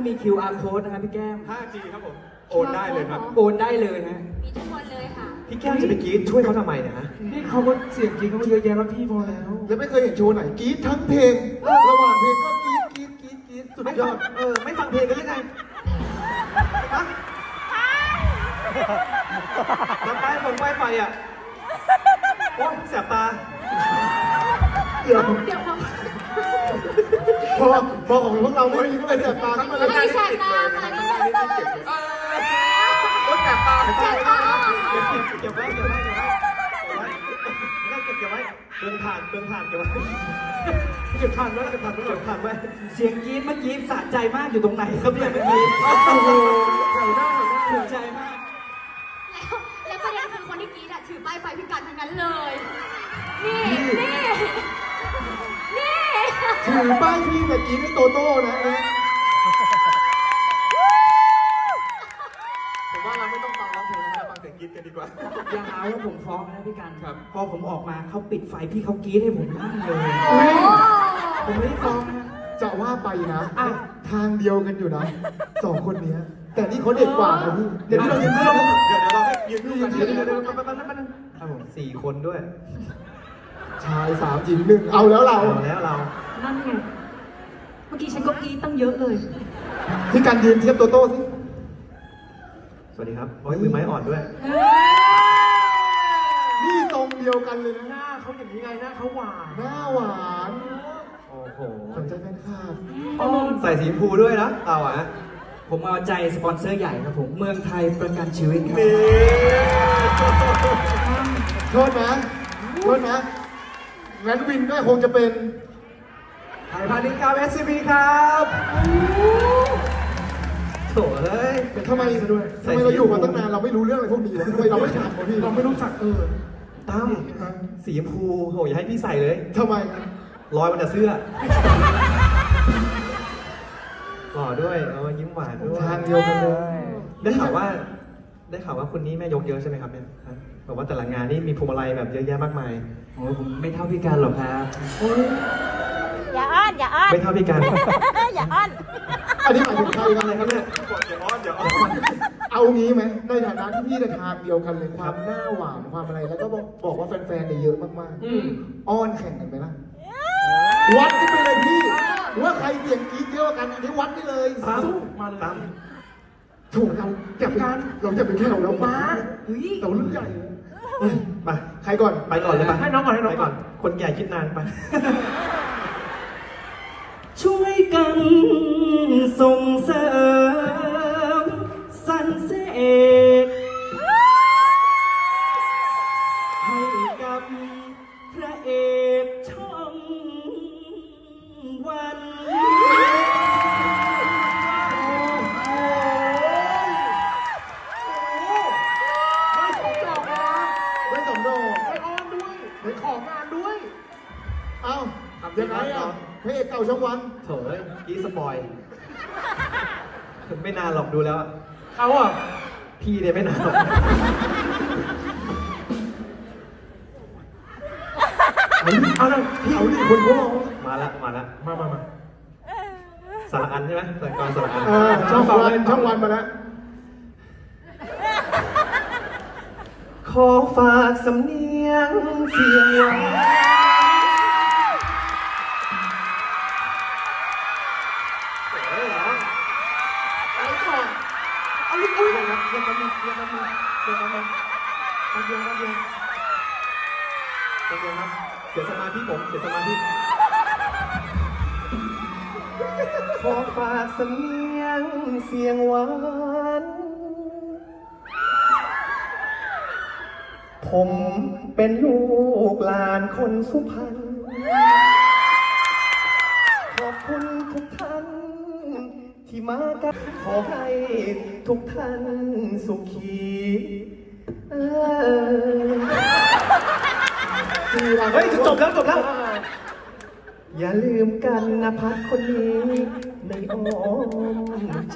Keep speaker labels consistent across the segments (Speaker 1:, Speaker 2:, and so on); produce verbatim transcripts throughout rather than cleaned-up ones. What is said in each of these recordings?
Speaker 1: มี คิว อาร์ code นะครับพี่แก้ม
Speaker 2: ห้าจี ครับผมโอนได้เลยครับ
Speaker 1: โอนได้เลยฮะ
Speaker 3: มีทุกคนเลยค่ะ
Speaker 2: พี่แก้มจะไปกรี๊ดช่วยเขาทำไมเนะฮะ
Speaker 4: นี่เขาก็เสียงจริงเขาเยอะแยะแล้วพี่พอแล้ว
Speaker 5: แล้วไม่เคยเห็นโชว์ไหนกรี๊ดทั้งเพลง ระหว่างเพลงก็กรี๊ดกรี๊ดกรี๊ดกรี๊ดสุด
Speaker 2: ไม่
Speaker 5: ย
Speaker 2: ฟั
Speaker 5: อง ด
Speaker 2: เออไม่ฟังเพลงกันหรือไงฮะน้ำป้ายฟงป้ายไฟอ่ะโอ๊ยแสบตา
Speaker 5: เดี๋ยว
Speaker 3: เดี๋ยวเขา
Speaker 5: พอพอของพวกเราไม่มีก็เลยแสบตาขึ้นมาเลย
Speaker 3: ไม่แสบตาค่ะนี่แสบตา
Speaker 2: โอ๊ยแสบตา
Speaker 3: แสบตา
Speaker 2: เก็บไว้เก็บไว้เก็บไว้เก็บไว้ไม่ได้เก็บเก็บไว้เดินผ่านเดินผ่านเก็บไว้เก็บผ่านไว้เก็บผ่านไว้เก็บผ่านไว้
Speaker 1: เสียงกรี๊ดเมื่อกี้สะใจมากอยู่ตรงไหนครับเนี่ยเมื่อกี้
Speaker 5: โอ้โห
Speaker 4: แถวหน้าแถวหน้า
Speaker 1: ถูกใจมาก
Speaker 3: แล้วแล้วประเด็นคือคนที่กรี๊ดอะถือป้ายไฟพิการทั้งนั้นเลย นี่ นี่ นี่
Speaker 5: ถือป้ายพี่แต่กรี๊ดให้โตโต้นะเอ๊ะผมว่าเราไม่ต้องฟังร้องเพลงแล้วนะฟังเสียงกรี๊ดกันดีกว่า
Speaker 1: อย่าหาว่าผมฟ้องนะพี่กัน
Speaker 2: ครับ
Speaker 1: พอผมออกมาเขาปิดไฟพี่เขากรี๊ดให้ผมนั่งเลย
Speaker 3: โอ้
Speaker 1: ผมไม่ได้ฟ้องนะ
Speaker 5: จะว่าไปนะทางเดียวกันอยู่นะสองคนเนี้ยแต่นี่เขาเด็กกว่านะพี่เดี๋ยวพี่เรายืนเพื่อน
Speaker 2: เดี๋ยวเดี๋ยวเราให้ยืนคู่กัน
Speaker 5: เดี๋
Speaker 2: เดี๋
Speaker 5: ย
Speaker 2: ยว ว
Speaker 5: เดี๋
Speaker 2: เดี๋
Speaker 5: ย
Speaker 2: ยว ว
Speaker 5: เดี๋
Speaker 2: เดี๋
Speaker 5: ย
Speaker 2: ยว วแป๊บนึงครับผมสี่คนด้วย
Speaker 5: ชายสามหญิงหนึ่งเอาแล้วเรา
Speaker 2: เอาแล้วเรา
Speaker 3: นั่นไง เมื่อกี้ฉันก็กรี๊ดตั้งเยอะเลย
Speaker 5: พี่การยืนเทียบโตโต้สิ
Speaker 2: สวัสดีครับโอ้ยมือไม้อ่อนด้วย
Speaker 5: นี่ทรงเดียวกันเลยนะ
Speaker 4: หน้าเขาอย่างนี้ไงหน้าเขาหวาน
Speaker 5: หน้าหวาน
Speaker 2: โอ้โห
Speaker 5: ขวัญใจแฟนคลับ
Speaker 1: อ๋อ
Speaker 2: ใส่สีชมพูด้วยนะเราอ่ะ
Speaker 1: ผมเอาใจสปอนเซอร์ใหญ่ครับผมเมืองไทยประกันชีวิตครับ
Speaker 2: นี่
Speaker 5: โทษนะโทษนะงั้นวินก็คงจะเป็น
Speaker 2: ไทยพาณิชย์ครับ เอส ซี บี ครับโถ่เอ้ย
Speaker 5: แต่ทำไมทำไมเราอยู่มาตั้งนานเราไม่รู้เรื่องอะไรพวกนี้วะทำไมเราไม่ถามวะพี่
Speaker 4: เราไม่รู้จักเออ
Speaker 2: ตั้มสีชมพูโหอย่าให้พี่ใส่เลย
Speaker 5: ทำไมครับ
Speaker 2: รอยมันจะเสื้อหล่อด้วยเออยิ้มหวานด้วย
Speaker 5: ทางเดียวกันเลย
Speaker 2: ได้ข่าวว่า ได้ข่าวว่าคนนี้แม่ยกเยอะใช่ไหมครับเนี่ยฮะบอกว่าแต่ละงานนี่มีพวงมาลัยแบบเยอะแยะมากมาย
Speaker 1: โอ้ผมไม่เท่าพี่กันหรอกครับ
Speaker 6: อย่าอ้อน อย่าอ้อน
Speaker 2: ไม่เท่าพี่กัน
Speaker 6: อย่าอ้อน
Speaker 5: อันนี้หมายถึงใครกัน
Speaker 2: อะไร
Speaker 5: เลย
Speaker 2: ค
Speaker 5: ค
Speaker 2: รั
Speaker 5: รั
Speaker 2: บบ เนี่
Speaker 5: เนี่ย ย
Speaker 2: เดี๋ยวอ้อนเดี๋ยวอ้อน
Speaker 5: เอางี้ไหมในฐานะที่พี่ในทางเดียวกันเลยความหน้าหวานความอะไรแล้วก็บอกบอกว่าแฟนๆเนี่ยเยอะมาก
Speaker 4: อืม
Speaker 5: ๆอ้อนแข่งกันไหมล่ะวัดกันไปเลยพี่ว่าใครเสียงกรี๊ดเยอะกว่ากันอันนี้วัดได้เลย
Speaker 2: ตั้ม
Speaker 4: สู้มาเลย
Speaker 2: ตั้ม
Speaker 5: ถูกเราจะไปเราจะไปแข่งเราบ้า
Speaker 1: เฮ้ย
Speaker 5: เรารุ่นใหญ่เลย
Speaker 2: ไป
Speaker 5: ใครก่อน
Speaker 2: ไปก่อนเลยไป
Speaker 4: ให้น้องก่อนให้น้องก่อน
Speaker 2: คนแก่คิดนานไป
Speaker 1: ช่วยกันส่งเสริมสรรเสกให้กับพระเอกช่องวัน
Speaker 5: ได้สองดอก
Speaker 4: ไปอ้อนด้วยไปของานด้วย
Speaker 5: เอ้ายังไงอ่ะพระเอกเก่าช่องวัน
Speaker 2: โถ่เอ้ยกี้สปอยไม่นานหรอกดูแล้วอะ
Speaker 4: เขาอ่ะ
Speaker 2: พี่เนี่ยไม่นานหรอก
Speaker 4: เอาเลย
Speaker 5: พี่เอาดิคนเขาร้อง
Speaker 2: มาละมาละ
Speaker 4: มามามา
Speaker 2: สารอันใช่ไหมสารกรสารอัน
Speaker 5: เออช่องวันช่องวันมาแล้ว
Speaker 2: ขอฝากสำเนียงเสียงหวานเฮ้ยเหรอ
Speaker 5: อะไรก่อน
Speaker 2: เอาลูกอุ้ยเลยครับเรียกแป๊บนึงเรียกแป๊บนึงเรียกแป๊บนึงแป๊บเดียวแป๊บเดียวแป๊บเดียวครับเสียสมาธิผมเสียสมาธิขอฝากสำเนียงเสียงหวานผมเป็นลูกหลานคนสุพรรณขอบคุณทุกท่านที่มากันขอให้ทุกท่านสุขีเออเฮ้ยจะจบแล้วจบแล้ว อย่าลืมกันนะพัดคนนี้ในอ้อมใจ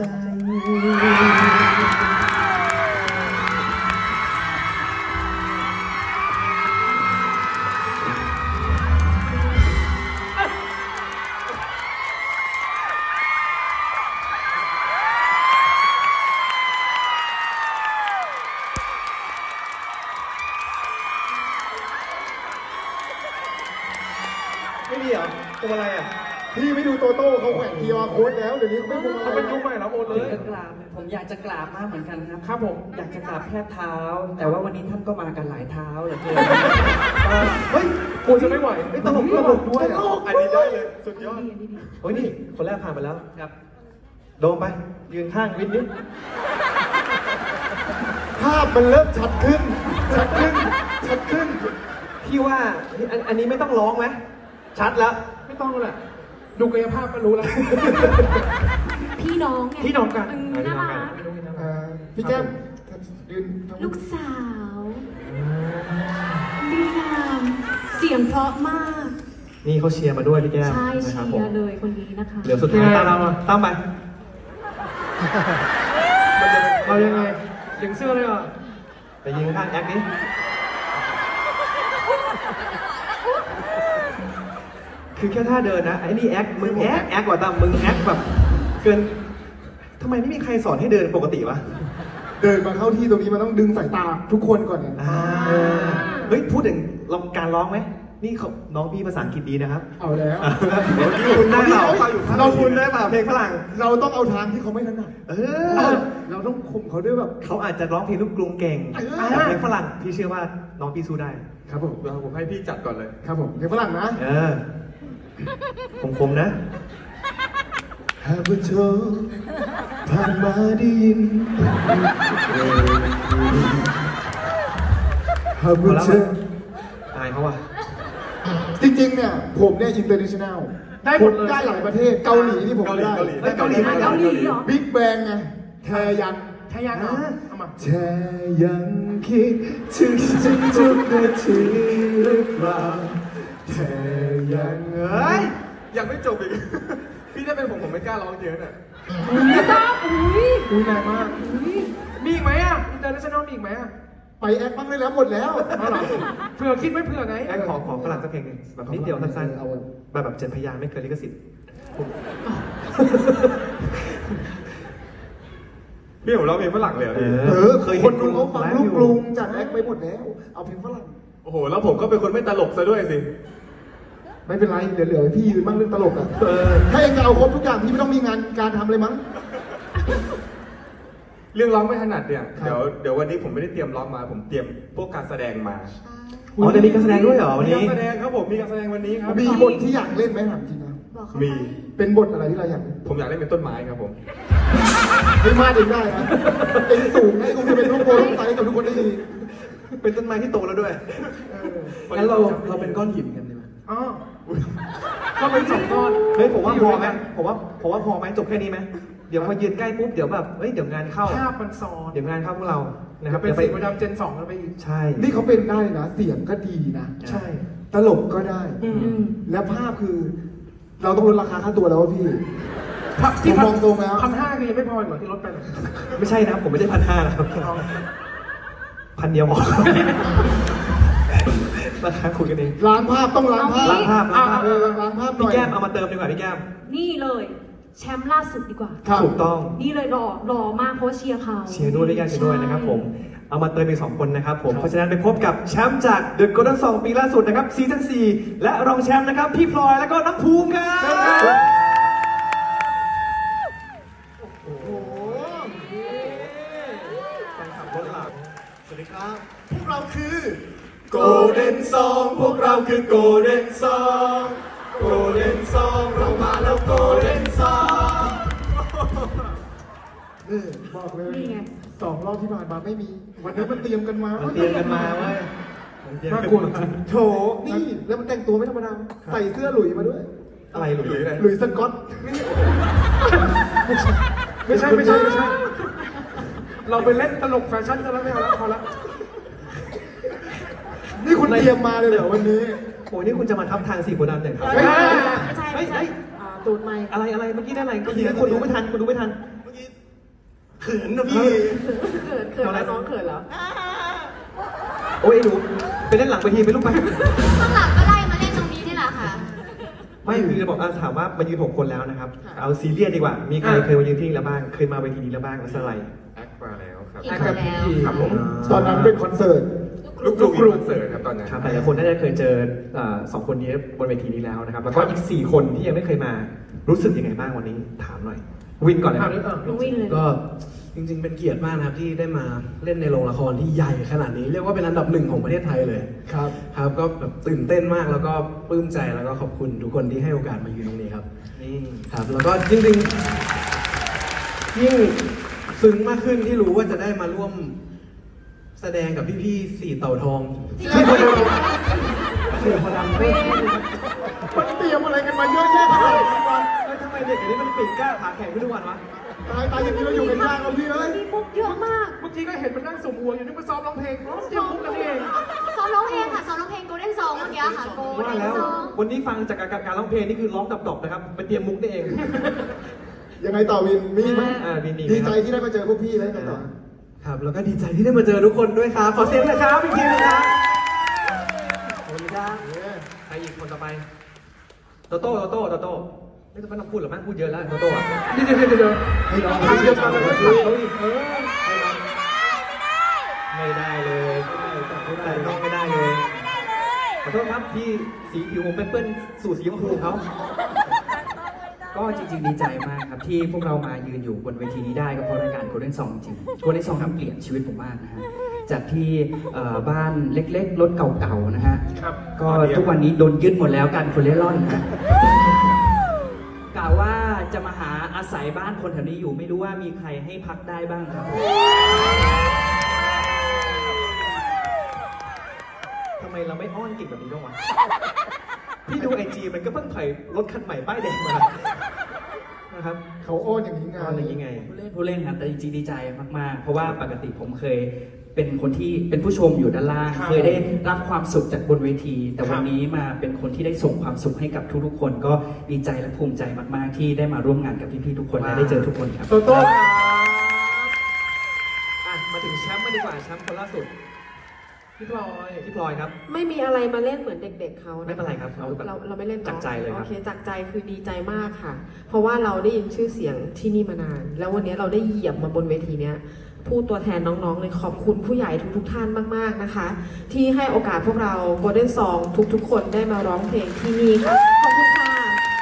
Speaker 2: ตัวอะไรอ่ะ
Speaker 5: พี่ไม่ดูโตโต้เขาแขวนคีย์อาร์โค้ดแล้วเดี๋ยวนี้เขาไม่พวงมา
Speaker 4: เขา
Speaker 5: ลั
Speaker 4: เป็น
Speaker 5: ย
Speaker 4: ยุคใหม่แล้วโอนเล
Speaker 1: ถึง
Speaker 4: ย
Speaker 1: จะกราบเนี่ยผมอยากจะกราบมากเหมือนกันครับ
Speaker 4: ครับผม
Speaker 1: อยากจะกราบแค่เท้า แต่ว่าวันนี้ท่านก็มากันหลายเท้าเหลือเกิน
Speaker 4: เฮ้ยกูจะไม่ไหว
Speaker 2: ไม่ตลกตลกด้วยอ่ะอันนี้ได้เลย สุดยอดโอ้ยนี่ คนแรกผ่านไปแล้วครับ โดมไป ยืนข้างวินนิด
Speaker 5: ภาพมันเริ่มชัดขึ้น ชัดขึ้น ชัดขึ้น
Speaker 2: พี่ว่าอันอันนี้ไม่ต้องร้องไหมชัดแล้ว
Speaker 4: ไม่ต้องแหละดูกายภาพก็รู้แล้ว
Speaker 3: พี่น้องไง
Speaker 4: พี่น้องกัน
Speaker 3: มน่ารัก
Speaker 5: อ่าพี่แก้มยืนทำ
Speaker 3: ลูกสาวดีงามเสียงเพราะมาก
Speaker 2: นี่เขาเชียร์มาด้วยพี่แก้ม
Speaker 3: ใช่
Speaker 2: นะ
Speaker 3: เชี
Speaker 2: ครับผม
Speaker 3: ยร์เลยคนนี้นะคะ
Speaker 2: เหลือสุดท้ายตามเรามาตามไป
Speaker 4: เรายังไงยังเสื้อเลยอ่ะ
Speaker 2: ไปยิงข้างแอคนี้คือแค่ท่าเดินนะไอ้นี่แอคมึงแอคแอคกว่าตามมึงแอคแบบเกินทำไมไม่มีใครสอนให้เดินปกติวะ
Speaker 5: เดินมาเข้าที่ตรงนี้มันต้องดึงสายตาทุกคนก่อนเนี่ย
Speaker 2: อ่าเฮ้ยพูดถึงลองการร้องไหมนี่เขาน้องพี่ภาษาอังกฤษดีนะครับ
Speaker 5: เอาแล้ว
Speaker 2: เดี๋ยวพี่คุณได้เปล่าเราคุณได้เปล่าเพลงฝรั่ง
Speaker 5: เราต้องเอาทางที่เขาไม่ถนัด
Speaker 2: เอ
Speaker 5: เอ
Speaker 2: อ
Speaker 5: อเราต้องข่มเขาด้วยแบบ
Speaker 2: เขาอาจจะร้องเพลงลูกกรุงเก่ง
Speaker 5: เออ
Speaker 2: แต่เพลงฝรั่งพี่เชื่อว่าน้องพี่สู้ได้
Speaker 5: ครับผม
Speaker 4: ผมให้พี่จัดก่อนเลย
Speaker 5: ครับผมเพลงฝรั่งนะ
Speaker 2: เออคมๆนะ
Speaker 5: หากว่าเธอผ่านมาได้ยินหากว่าเธอ
Speaker 2: อายเขาว่ะ
Speaker 5: จริงๆเนี่ยผมเนี่ยอินเตอร์เนชั่นแนล
Speaker 4: ได้หมดเลย
Speaker 5: ได้หลายประเทศเกาหลีที่ผมได้
Speaker 2: เกาหลีเกาหลีไหม
Speaker 3: เกาหลีเหรอ
Speaker 5: บิ๊กแบงไงแทยัน
Speaker 4: ใช่ยังเหรอเอามา
Speaker 5: แทยังคิดถึงฉันทุกนาทีหรือเปล่าแทยังเอ้ย
Speaker 4: ยังไม่จบอีก พี่ถ้าเป็นผมผมไม่กล้าร้องเยอะน่ะ
Speaker 3: ไม่ต้องอุ้ย
Speaker 5: อุ้ยแรงมาก
Speaker 4: มีอีกไหมอ่ะอินเตอร์เนชั่นแนลมีอีกไหมอ่ะ
Speaker 5: ไปแอคบ้างได้แล้วหมดแล้ว
Speaker 4: เอาเหรอเผื่อคิดไม่เผื่อไง
Speaker 2: แอคขอขอฝรั่งสักเพลงหนึ่งแบบนิดเดียวสั้น
Speaker 5: เอา
Speaker 2: ๆแบบแบบเจ็ดพยางค์ไม่เกินลิขสิทธิ์
Speaker 4: พี่ผมร้องเพลงฝรั่งเลยเหรอพี่
Speaker 5: เออเคยคนดูเขาฟังลูกกรุงจากแอคไปหมดแล้ว เอาเพลงฝรั่ง
Speaker 4: โอ้โห แล้วผมก็เป็นคนไม่ตลกซะด้วยสิ
Speaker 5: ไม่เป็นไรเดี๋ยวเหลือให้พี่ยืนบ้างเรื่องตลกอ่ะถ้าเองจะเอาครบทุกอย่างพี่ไม่ต้องมีงานการทำเลยมั้ง
Speaker 4: เรื่องร้องไม่ถนัดเนี่ย
Speaker 5: ครับ
Speaker 4: เดี๋ยวเดี๋ยววันนี้ผมไม่ได้เตรียมร้องมา ผมเตรียมพวกการแสดงมา
Speaker 2: อ๋อจะมีการแสดงด้วยเหรอวัน
Speaker 4: มี
Speaker 2: นี้
Speaker 4: การแสดงครับผม มีการแสดงวันนี้ครับ
Speaker 5: มีบทที่อยากเล่นไหมถามจริงนะ
Speaker 3: บอกเขา
Speaker 4: มี
Speaker 3: ไป
Speaker 5: เป็นบทอะไรที่เราอยากเล่น
Speaker 4: ผมอยากเล่นเป็นต้นไม้ครับผม
Speaker 5: ไม่มาเองได้นะเองสูงให้กูจะเป็นลูกโป่งไฟกับทุกคนได้ดี
Speaker 2: เป็นต้นไม้ที่โตแล้วด้วย งั้นเราเราเป็นก้อนหินกันดีไหม
Speaker 4: อ๋อก็เป็นสองก้อน
Speaker 2: เฮ้ยผมว่าพอไหมผมว่าผมว่าพอไหมจบแค่นี้ไหมเดี๋ยวพอยืนใกล้ปุ๊บเดี๋ยวแบบเฮ้ยเดี๋ยวงานเข้า
Speaker 4: ภาพมันซ้อน
Speaker 2: เดี๋ยวงานเข้าพวกเรานะค
Speaker 4: จะ
Speaker 2: รับ
Speaker 4: เป็น
Speaker 2: ดี๋ยว
Speaker 4: สิ่งประจำเจนสองแล้วไปอีก
Speaker 2: ใช่
Speaker 5: นี่เขาเป็นได้นะ เสียงก็ดีนะ
Speaker 2: ใช่
Speaker 5: ตลกก็ได้
Speaker 3: อืมอืม
Speaker 5: แล้วภาพคือ เราต้องลดราคาค่าตัวแล้วว่าพี่
Speaker 4: ที่
Speaker 5: ผมมองตรงแล้ว
Speaker 4: พันห้าคือยังไม่พอเหมือนที่ลดไปเลย
Speaker 2: ไม่ใช่นะผมไม่ได้พันห้านะครับพันเดียวพอราคาคุยกันเอง
Speaker 5: ล้างภาพต้องล้างภาพ
Speaker 2: ล้างภาพล้างภาพ
Speaker 5: เออล้างภาพหน่
Speaker 2: พี่
Speaker 5: อย
Speaker 2: แก้มเอามาเติมดีกว่าพี่แก้ม
Speaker 3: นี่เลย แชมป์ล่าสุดดีกว่า
Speaker 5: ครับ
Speaker 2: ถูกต้อง
Speaker 3: นี่เลยหล่อหล่อมากเพราะเชียร์เขา
Speaker 2: เชียร์ด้วยพี่แก้มเชียร์ด้วยนะครับผม เอามาเติมอีกสองคนนะครับผม
Speaker 5: ครับ
Speaker 2: เพราะฉะนั้นไปพบกับแชมป์จาก The Golden Song ปีล่าสุดนะครับซีซั่นสี่และรองแชมป์นะครับพี่พลอยแล้วก็น้องภูมิครับ
Speaker 5: โอ้โห
Speaker 2: แฟนคลับรถหลับ
Speaker 5: สวัสดีครับ พวกเราคือ
Speaker 2: Golden Song พวกเราคือ Golden Song Golden Song เรามาแล้ว Golden Song
Speaker 5: นี่บอกเลย
Speaker 3: นี่ไง
Speaker 5: สองรอบที่ผ่านมาไม่มี วันนี้มันเตรียมกันมา
Speaker 2: มันเตรียมกันมาเว้ยมันเตรียม
Speaker 4: น่า
Speaker 2: กัน
Speaker 4: กลัว
Speaker 2: มา
Speaker 4: จริง
Speaker 5: โถนี่แล้วมันแต่งตัวไม่ธรรมดา ใส่เสื้อหลุยมาด้วย
Speaker 2: อะไรหลุย
Speaker 4: หลุยอะไร
Speaker 5: หลุยสก๊อต
Speaker 4: ไม่ใช่ไม่ใช่ไม่ใช่ เราไปเล่นตลกแฟชั่นกันแล้วไม่เอาแล้วพอละ
Speaker 5: นี่คุณเตรียมมาเลยเหรอวันนี้
Speaker 2: โอ้ยนี่คุณจะมาทับทางสี่คนดำอย่างไร
Speaker 5: ไม่
Speaker 3: ไม่ใช่
Speaker 2: เฮ้
Speaker 3: ไม่
Speaker 2: ย
Speaker 3: ใช่
Speaker 2: เฮ้ย
Speaker 3: อ่าตูดไม่
Speaker 2: อะไรอะไรเมื่อกี้ได้อะไรเมื่อกี้คนดูไม่ทันคนดูไม่ทัน
Speaker 5: เขินนะพี่
Speaker 3: เขินเขินแล้วน้องเขินแล้ว
Speaker 2: โอ้ยไอ้หนูไปเล่นหลังเวทีไปลูกไป
Speaker 3: ข้างหลังก็ไล่มาเล่นตรงนี้นี่แหละค่ะ
Speaker 2: ไม่คือจะบอกอ่ะถามว่ามายืนหกคนแล้วนะครับ เอาซีเรียสดีกว่า มีใครเคยมายืนที่นี่แล้วบ้าง เคยมาเวทีนี้แล้วบ้างแล้วสไลด์
Speaker 4: แอคมาแล้วครับ
Speaker 3: อีกคนแล้ว
Speaker 4: ครับผม
Speaker 5: ตอนนั้นเป็นคอนเสิร์ต
Speaker 3: ลูก
Speaker 4: ลูกกรุงคอนเสิร์ตครับตอนนั้น
Speaker 1: ครับหลายๆคนน่าจะเคยเจอเอ่อสองคนนี้บนเวทีนี้แล้วนะครับแล้วก็อีกสี่คนที่ยังไม่เคยมารู้สึกยังไงบ้างวันนี้ถามหน่อยวินก่อนเลยครับ
Speaker 3: น้องวินเลย
Speaker 7: ก็จริงๆ เป็นเกียรติมากนะครับที่ได้มาเล่นในโรงละครที่ใหญ่ขนาดนี้ เรียกว่าเป็นอันดับหนึ่งของประเทศไทยเลย
Speaker 5: ครับ
Speaker 7: ครับก็แบบตื่นเต้นมากแล้วก็ปลื้มใจแล้วก็ขอบคุณทุกคนที่ให้โอกาสมายืนตรงนี้ครับ
Speaker 1: นี่
Speaker 7: ครับแล้วก็จริงๆยิ่งซึ้งมากขึ้นที่รู้ว่าจะได้มาร่วมแสดงกับพี่ๆสี่เต่าทอง
Speaker 5: มันเตรียมอะไรกันมาเยอะแยะขนาดนี้วะ
Speaker 1: แล้วทำไมเด็กอันนี้มันปีกกล้าขาแข็งขึ้นทุกวันวะ
Speaker 5: ตายตายอย่างนี้เราอยู่กันยากแล้วพี่เอ้ย
Speaker 3: มีมุกเยอะมาก
Speaker 4: เมื่อกี้ก็เห็นมันนั่งสมหัวอยู่นึกว่าซ้อมร้องเพลงร้องเตรียมมุกกันเอง
Speaker 3: ซ้อมร้องเพลงค่ะซ้อมร้องเพลงโกลเด้นซองเมื่อกี้ค่ะโกล
Speaker 1: ว่า
Speaker 3: เด้น
Speaker 1: แล้ว
Speaker 3: ซอง
Speaker 1: วันนี้ฟังจากการการร้องเพลงนี่คือร้องดับๆนะครับไปเตรียมมุกนี่เอง
Speaker 5: ยังไงต่อวิน มีไหม
Speaker 1: อ่ามีมี
Speaker 5: ดีใจที่ได้มาเจอพวกพี่แล้วยังไงต่อ
Speaker 7: ครับแล้วก็ดีใจที่ได้มาเจอทุกคนด้วยครับขอเสียงหน่อยครับอีกทีนะครับขอบคุณครับ
Speaker 1: ใครอีกคนต่อไปโตโต้โตโต้โตโต้ไม่ต้องไม่ต้องพูดหรอกมั้งพูดเยอะแล้วโตโต้อะ
Speaker 4: เดี๋ยวเดี๋ยวเดี๋ยว
Speaker 5: ให้น้อง
Speaker 4: ทำเดียวกันเลยก็คือเขาอีกเออ
Speaker 1: ไม่ได้เลยแต่น้องไม่ได้เลยขอโทษครับที่สีผิวผมเป็นเปิ้ลสู่สีชมพูเขา
Speaker 8: ก็จริงๆดีใจมากครับที่พวกเรามายืนอยู่บนเวทีนี้ได้ก็เพราะรายการ Golden Song จริง Golden Song ทำเปลี่ยนชีวิตผมมากนะฮะจากที่เอ่อบ้านเล็กๆรถเก่าๆนะฮะ
Speaker 4: ครับ
Speaker 8: ก็ทุกวันนี้โดนยึดหมดแล้วการคนเล่ร่อนนะฮะกล่าวว่าจะมาหาอาศัยบ้านคนแถวนี้อยู่ไม่รู้ว่ามีใครให้พักได้บ้างครับ
Speaker 1: ทำไมเราไม่อ้อนเก่งแบบนี้บ้างวะพี่ดูไอจีมันก็เพิ่งถอยรถคันใหม่ป้ายแดงมานะครับ
Speaker 5: เขาอ้อนอย่างนี้ไง
Speaker 1: อ้อนอย่างนี้ไง
Speaker 8: ผู้เล่นผู้เล่นครับแต่จริงๆดีใจมากๆ เพราะว่าปกติผมเคยเป็นคนที่เป็นผู้ชมอยู่ด้านล่าง
Speaker 4: ครับ
Speaker 8: เคยได้รับความสุขจากบนเวที แต่
Speaker 4: ครับ
Speaker 8: วันนี้มาเป็นคนที่ได้ส่งความสุขให้กับทุกๆคน ก็ดีใจและภูมิใจมากๆ ที่ได้มาร่วมงานกับพี่ๆทุกคนและได้เจอทุกคนครับ
Speaker 4: โตโต้ครับ
Speaker 1: อ่ะมาถึงแชมป์มาดีกว่าแชมป์คนล่าสุด
Speaker 4: พี่พลอย
Speaker 1: พี่พลอยครับ
Speaker 9: ไม่มีอะไรมาเล่นเหมือนเด็กๆเขานะ
Speaker 1: ไม่เป็นไรครับเอาแบบ
Speaker 9: เราเราไม่เล่นนอะ
Speaker 1: จากใจเลยครับ
Speaker 9: โอเคจากใจคือดีใจมากค่ะ เพราะว่าเราได้ยินชื่อเสียงที่นี่มานาน แล้ววันนี้เราได้เหยียบมาบนเวทีเนี้ยพูดตัวแทนน้องๆเลยขอบคุณผู้ใหญ่ทุกๆท่านมากๆนะคะ ที่ให้โอกาสพวกเรา Golden Song ทุกๆ คนได้มาร้องเพลงที่นี่ค่ะขอบคุณค่ะ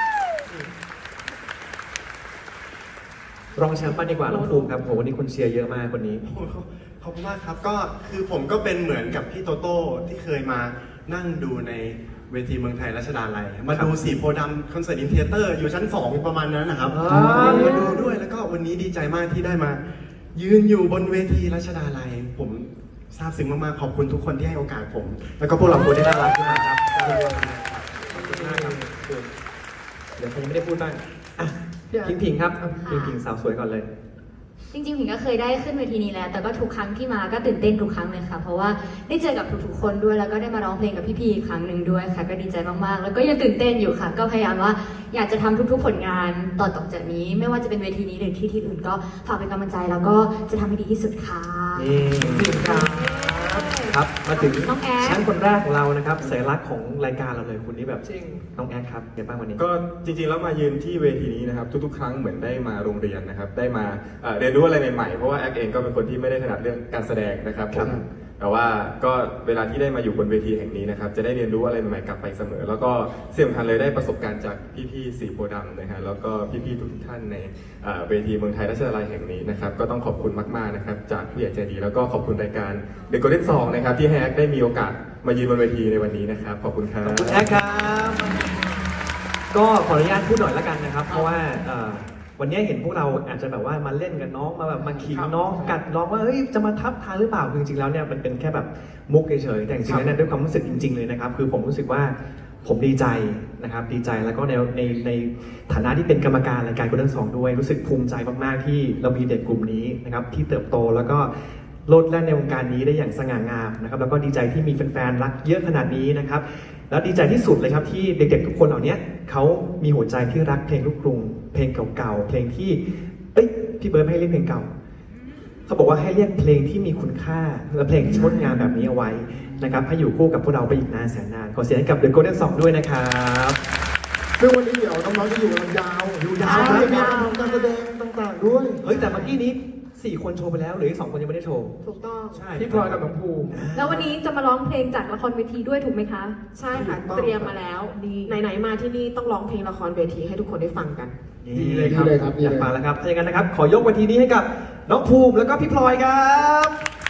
Speaker 1: รองแชมป์มาดีกว่าน้องภูมิครับโหวันนี้คนเชียร์เยอะมากคนนี้
Speaker 2: ขอบคุณมากครับก็คือผมก็เป็นเหมือนกับพี่โตโต้ที่เคยมานั่งดูในเวทีเมืองไทยรัชดาลัยมาดูสีโพธิ์ดำคอนเสิร์ตอินเทเตอร์อยู่ชั้นสองประมาณนั้นนะครับ
Speaker 1: อ๋อ
Speaker 2: มาดูด้วยแล้วก็วันนี้ดีใจมากที่ได้มา ยืนอยู่บนเวทีรัชดาลัยผมซาบซึ้งมากๆขอบคุณทุกคนที่ให้โอกาสผม แล้วก็พวกเราคนที่น่ารักมากครับขอบคุณมากครับ
Speaker 1: เดี๋ยวผมยังไม่ได้พูดบ้างอ่ะพิงพิงครับพิงพิงสาวสวยก่อนเลย
Speaker 3: จริงๆผิงก็เคยได้ขึ้นเวทีนี้แล้ว แต่ก็ทุกครั้งที่มาก็ตื่นเต้นทุกครั้งเลยค่ะ เพราะว่าได้เจอกับทุกๆคนด้วย แล้วก็ได้มาร้องเพลงกับพี่ๆอีกครั้งหนึ่งด้วยค่ะ ก็ดีใจมากๆ แล้วก็ยังตื่นเต้นอยู่ค่ะ ก็พยายามว่าอยากจะทำทุกๆผลงานต่อต่อจากนี้ ไม่ว่าจะเป็นเวทีนี้หรือที่ที่อื่นก็ฝากเป็นกำลังใจแล้วก็จะทำให้ดีที่สุดค่ะ
Speaker 1: นี่พิงครับครับมาถึง
Speaker 3: น้องแอด
Speaker 1: แชมป์คนแรกของเรานะครับสัญลักษณ์ของรายการเราเลยคุณนี่แบบ
Speaker 4: จริง
Speaker 1: น้องแอดครับเดี๋ยวบ้างวันนี้
Speaker 10: ก็จริงๆแล้วมายืนที่เวทีนี้นะครับทุกๆ ครั้งเหมือนได้มาโรงเรียนนะครับได้มาเอ่อเรียนรู้อะไรใหม่ๆเพราะว่าแอคเองก็เป็นคนที่ไม่ได้ถนัดเรื่องการแสดงนะครับผมแต่ว่าก็เวลาที่ได้มาอยู่บนเวทีแห่งนี้นะครับจะได้เรียนรู้อะไรใหม่ๆกลับไปเสมอ แล้วก็เสี่ยงทันเลยได้ประสบการณ์จากพี่ๆสีโพธิ์ดำนะฮะแล้วก็พี่ๆทุกท่านในเอ่อเวทีเมืองไทยรัชดาลัยแห่งนี้นะครับก็ต้องขอบคุณมากๆนะครับจากผู้ใหญ่ใจดีแล้วก็ขอบคุณรายการ The Golden Song นะครับที่ให้แอคได้มีโอกาสมายืนบนเวทีในวันนี้นะครับขอบคุณครับ
Speaker 1: ขอบคุณแอดครับ ก็ขออนุญาตพูดหน่อยละกันนะครับ เพราะว่าเอ่อวันนี้เห็นพวกเราอาจจะแบบว่ามาเล่นกับน้องมาแบบมาขิงน้องกัดน้องว่าเฮ้ยจะมาทับทางหรือเปล่าคือจริงๆแล้วเนี่ยมันเป็นแค่แบบมุกเฉยๆแต่จริงๆแล้วเนี่ยด้วยความรู้สึกจริง ๆเลยนะครับคือผมรู้สึกว่าผมดีใจนะครับดีใจแล้วก็ในในในฐานะที่เป็นกรรมการรายการGolden Songด้วยรู้สึกภูมิใจมากๆที่เรามีเด็กกลุ่มนี้นะครับที่เติบโตแล้วก็โลดแล่นในวงการนี้ได้อย่างสง่างามนะครับแล้วก็ดีใจที่มีแฟนๆรักเยอะขนาดนี้นะครับแล้วดีใจที่สุดเลยครับที่เด็กๆทุกคนเหล่านี้เขามีหัวใจที่รักเพลงลูกกรุงเพลงเก่าๆเพลงที่เอ้ยพี่เบิร์ดไม่ให้เรียกเพลงเก่าเขาบอกว่าให้เรียกเพลงที่มีคุณค่าและเพลงที่งดงามแบบนี้เอาไว้นะครับให้อยู่คู่กับพวกเราไปอีกนานแสนนานขอเสียงให้กับ The Golden Song ด้วยนะครับ
Speaker 5: ซึ่งวันนี้เดี๋ยวน้องๆจะอยู่กันยาว
Speaker 1: อยู่ยาว
Speaker 5: จะมีการแสดงต่างๆด้วย
Speaker 1: เฮ้ยแต่เมื่อกี้นี้สี่คนโชว์ไปแล้วเหลืออีกสองคนยังไม่ได้โชว์
Speaker 9: ถูกต้อง
Speaker 2: ใช่
Speaker 4: พี่พลอยกับน้องภูมิ
Speaker 11: แล้ววันนี้จะมาร้องเพลงจากละครเวทีด้วยถูกไหมคะ
Speaker 9: ใช่ค่ะ เตรียมมาแล้ว ไหนๆมาที่นี่ต้องร้องเพลงละครเวทีให้ทุกคนได้ฟังกัน
Speaker 4: ดีเลยครับ
Speaker 5: ดีเลยครับดี
Speaker 1: อยาก
Speaker 5: เลย
Speaker 1: ฟังแล้วครับถ้าอย่างนั้นนะครับ ขอยกเวทีนี้ให้กับน้องภูมิแล้วก็พี่พลอยครับ